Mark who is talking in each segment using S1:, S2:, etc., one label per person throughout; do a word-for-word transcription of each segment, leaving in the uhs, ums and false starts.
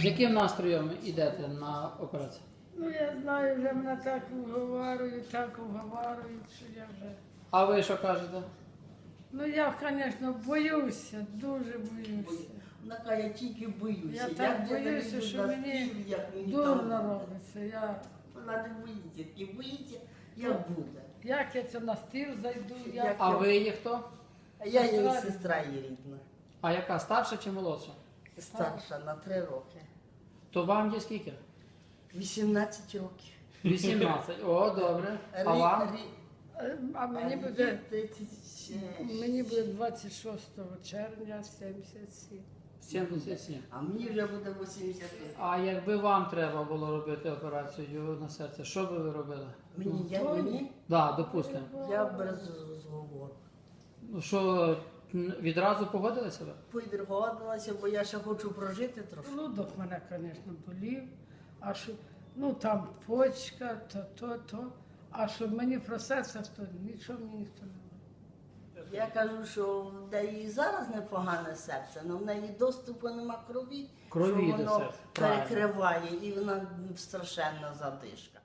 S1: З яким настроєм йдете на операцію?
S2: Ну, я знаю, вже мене так уговарюють, так уговарюють, що я вже...
S1: А ви що кажете?
S2: Ну, я, звісно, боюся, дуже боюся.
S3: Вона каже, я тільки боюся.
S2: Я
S3: Як
S2: так
S3: я
S2: боюся,
S3: зайду
S2: що
S3: на
S2: мені
S3: стіл, як мені
S2: дурно
S3: там-
S2: робиться. Я...
S3: Вона не боїться, тільки боїться, як буде.
S2: Як я це на стіл зайду, як...
S3: Як-
S1: А ви є хто?
S3: А я її
S2: Сестра.
S3: сестра її рідна,
S1: А яка, старша чи молодша?
S3: старша на три роки.
S1: То вам є скільки?
S3: вісімнадцять років.
S1: вісімнадцять. О, добре. А
S3: Рі-
S1: вам?
S3: рі-
S2: Е, А мені
S3: а
S2: буде,
S3: їй тридцять шість.
S2: мені буде двадцять шостого червня сімдесят сім.
S1: сімдесят сім.
S3: А мені вже буде вісімдесят.
S1: А якби вам треба було робити операцію на серце, що би ви робили?
S3: Мені, я, мені,
S1: Так, да, допустимо.
S3: я без розговору.
S1: Ну що, м, відразу погодили себе?
S3: Підгодилася, бо я ще хочу прожити трошки.
S2: Желудок мене, звісно, болів, а що, ну там почка, то, то, то. А що мені про серце, то нічого мені ніхто не говорить.
S3: Я кажу, що в неї зараз непогане серце, але в неї доступу нема крові,
S1: Крові
S3: що
S1: до
S3: воно
S1: серця, правильно.
S3: перекриває і вона страшенна задишка.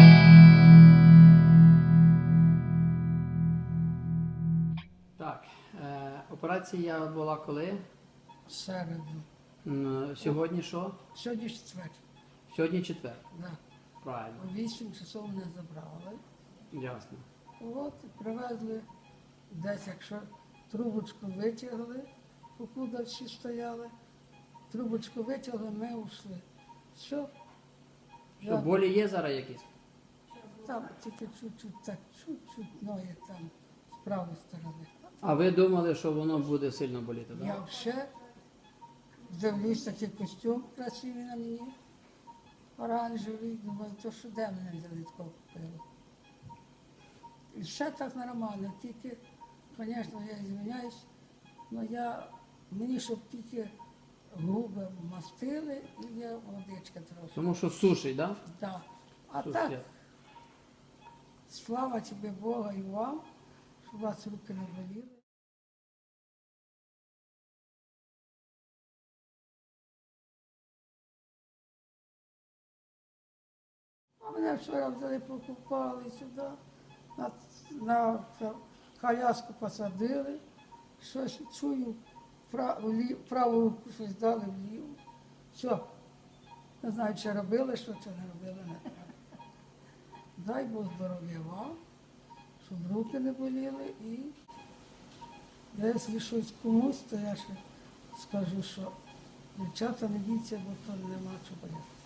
S1: Так, е, операція була коли?
S2: Середу.
S1: М, Сьогодні що?
S2: Сьогодні четвер.
S1: Сьогодні четвер.
S2: Да.
S1: Правильно,
S2: О вісім часов мене забрали.
S1: ясно.
S2: От і привезли десь, якщо трубочку витягли, покуда всі стояли, трубочку витягли, ми ушли. Все.
S1: Що, болі є зараз якісь?
S2: Там тільки чуть-чуть, так, чуть-чуть ноги там з правої сторони.
S1: А ви думали, що воно буде сильно боліти, так?
S2: Я вже дивлюсь, такий костюм красивий на мені, оранжевий, думаю, то що де мене взяли такого купили. І все так нормально, тільки, звісно, я звиняюсь, але я, мені щоб тільки губи мастили і я водичка трошки.
S1: Тому що сушить, так?
S2: Да. А
S1: Сушить.
S2: так, слава тобі Бога і вам, щоб у вас руки не боліли. А мене вчора взяли, покупали сюди, на, на цю коляску посадили, щось чую, праву, лі- праву руку щось дали вліву. Все. Не знаю, чи робили, що чи не робили, не треба. Дай Бог здоров'я вам, щоб руки не боліли і якщо щось комусь, то я ще скажу, що дівчата не біться, бо то нема чого боятися.